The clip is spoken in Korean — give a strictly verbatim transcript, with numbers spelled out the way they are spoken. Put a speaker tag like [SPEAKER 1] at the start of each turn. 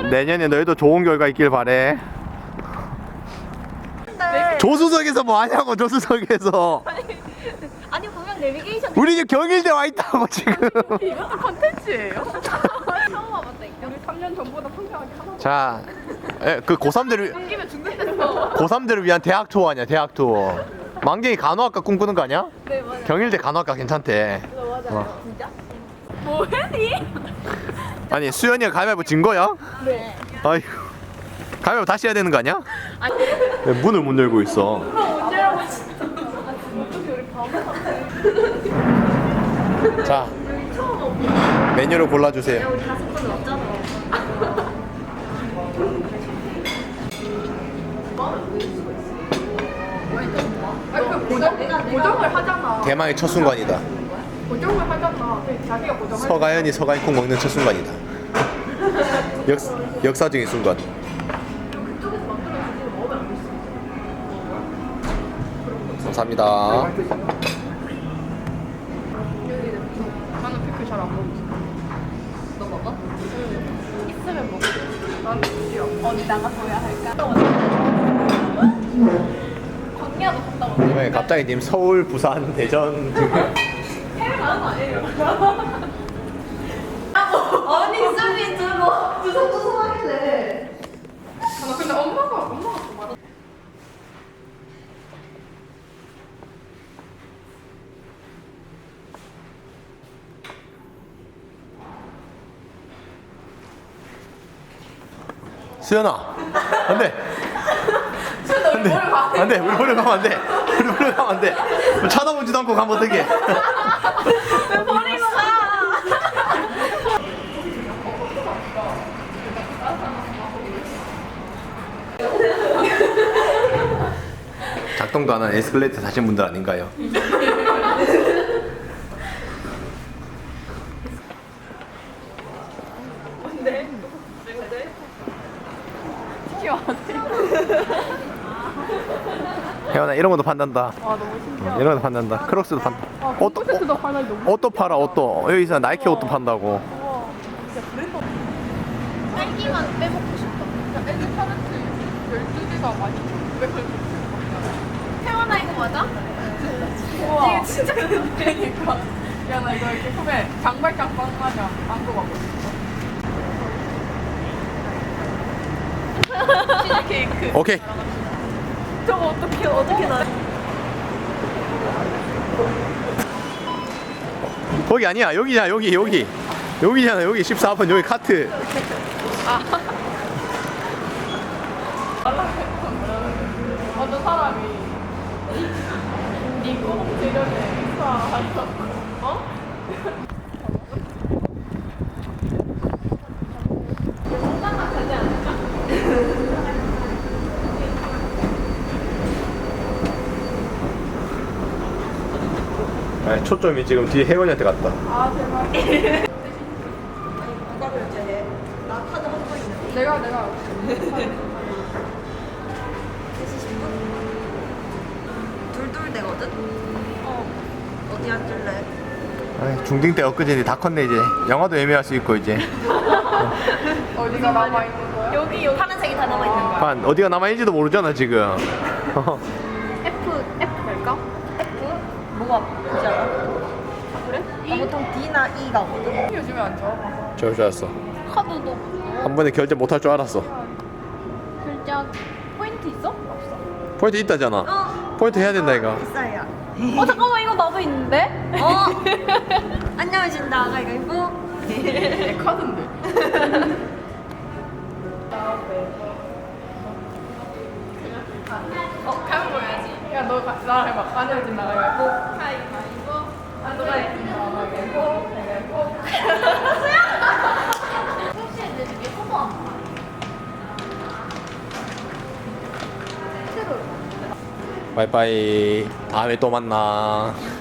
[SPEAKER 1] 내년에 너희도 좋은 결과 있길 바래.
[SPEAKER 2] 네.
[SPEAKER 1] 조수석에서 뭐 하냐고. 조수석에서
[SPEAKER 2] 아니 보면 내비게이션
[SPEAKER 1] 우리 지금 경일대 와 있다고 지금.
[SPEAKER 2] 이것도 컨텐츠예요? 처음 와봤다니까. 우리 삼 년 전보다 성장하게 하나.
[SPEAKER 1] 자, 에, 그 고삼들을
[SPEAKER 2] 숨기면 죽는다고.
[SPEAKER 1] 고삼들을 위한 대학 투어 아니야. 대학 투어. 만경이 간호학과 꿈꾸는 거 아니야?
[SPEAKER 2] 네 맞아요.
[SPEAKER 1] 경일대 간호학과 괜찮대.
[SPEAKER 2] 맞아요.
[SPEAKER 1] 어.
[SPEAKER 2] 진짜? 뭐해니?
[SPEAKER 1] 아니 수연이가 가위바위보 진 거야?
[SPEAKER 2] 네.
[SPEAKER 1] 아이고, 가위바위보 다시 해야 되는 거 아니야?
[SPEAKER 2] 아니.
[SPEAKER 1] 왜 문을 못 열고 있어?
[SPEAKER 2] 언제라고 진짜. 어떻게 우리 바보 같아.
[SPEAKER 1] 자, 메뉴를 골라주세요.
[SPEAKER 2] 우리 다섯 번 왔잖아. 아니 그 고정 고정을 하잖아.
[SPEAKER 1] 대망의 첫 순간이다.
[SPEAKER 2] 고정을 하잖아. 자기가 고정을.
[SPEAKER 1] 서가연이 서가인국 먹는 첫 순간이다. 역, 역사적인 순간. 감사합니다.
[SPEAKER 2] 나는 피클 잘 안 먹어. 너 먹어? 응. 있으면 먹어. 나는 싫어. 어디 나가서야 할까? 광야도 갔다 왔네.
[SPEAKER 1] 왜 갑자기 님 서울, 부산, 대전 지금
[SPEAKER 2] 해외 가는 거 아니에요? 아니 쌤이 들어 두성두성 하길래. 아 근데 엄마가 엄마가 더 많아.
[SPEAKER 1] 수연아, 안돼,
[SPEAKER 2] 쌤너 우리 머리 봐.
[SPEAKER 1] 안돼, 우리 보러 가면 안돼, 우리 보러 가면 안돼. 쳐다보지도 않고 가면 어떡해?
[SPEAKER 2] 왜 버리고 가?
[SPEAKER 1] 작동도 안 하는 에스컬레이터 타신 분들 아닌가요?
[SPEAKER 2] 뭔데? 뭔데? 치키 마세요.
[SPEAKER 1] 혜원아 이런 것도 판단다.
[SPEAKER 2] 아 너무 신기하다.
[SPEAKER 1] 이런 것도 판단다. 크록스도 판다.
[SPEAKER 2] 아,
[SPEAKER 1] 옷도
[SPEAKER 2] 콘서트도 하나 너무.
[SPEAKER 1] 옷도 팔아. 옷도 여기서 나이키 옷도 판다고.
[SPEAKER 2] 우와, 진짜 브랜드. 딸기만 빼먹고 싶다. 야, 애기 파르트 열두 개가 많이 천 구백 원. 태어나 이거 맞아? 우와. 이게 진짜 큰데. 그러니까. 야, 나 이거 이렇게 소매 장발장 빵 마냥 안고 가고 싶어. 치즈 케이크.
[SPEAKER 1] 오케이.
[SPEAKER 2] 저거 어떻게 어떻게 나?
[SPEAKER 1] 거기 아니야. 여기잖아. 여기 여기. 여기잖아. 여기 십사 번 여기 카트.
[SPEAKER 2] 어떤 사람이 네 꼬목 재련에 익사하셨어. 어? 성당가 가지 않을까?
[SPEAKER 1] 네, 초점이 지금 뒤에 혜원이한테 갔다.
[SPEAKER 2] 아 제발.
[SPEAKER 3] 누가 결제해? 나 카드 한 번 있는데.
[SPEAKER 2] 내가 내가.
[SPEAKER 3] 둘둘 되거든?
[SPEAKER 2] 어.
[SPEAKER 3] 어디 앉을래?
[SPEAKER 1] 아이, 중딩 때 엊그제 다 컸네 이제. 영화도 예매할 수 있고 이제.
[SPEAKER 2] 어디가 남아 있는 거야? 여기 여기.
[SPEAKER 3] 파란색이 다 남아 있는 거야.
[SPEAKER 1] 한 어디가 남아 있는지도 모르잖아 지금.
[SPEAKER 2] F F 갈까?
[SPEAKER 3] F? 뭐가 보지 않아?
[SPEAKER 2] 그래?
[SPEAKER 3] 나 보통 D나 E 가거든.
[SPEAKER 2] 요즘에 안 좋아.
[SPEAKER 1] 저럴 줄 알았어.
[SPEAKER 2] 카드도
[SPEAKER 1] 한 번에 결제 못할 줄 알았어.
[SPEAKER 2] 결제 포인트 있어? 없어.
[SPEAKER 1] 포인트 있다잖아.
[SPEAKER 3] 어.
[SPEAKER 1] 포인트 해야 된다 이거.
[SPEAKER 3] 비싸야.
[SPEAKER 2] 어 잠깐만 이거 나도 있는데?
[SPEAKER 3] 어. 안녕하신다. 가위바위보.
[SPEAKER 2] 내 카드인데. 어 가면 보여야지. 야너 나랑 해봐. 안녕하신 나가위바위보. 가위바위보. 안녕하신 나가위바위보. 가위바위보. 혹시 애들 중에 소모 안 봐?
[SPEAKER 1] 바이바이. 다음에 또 만나.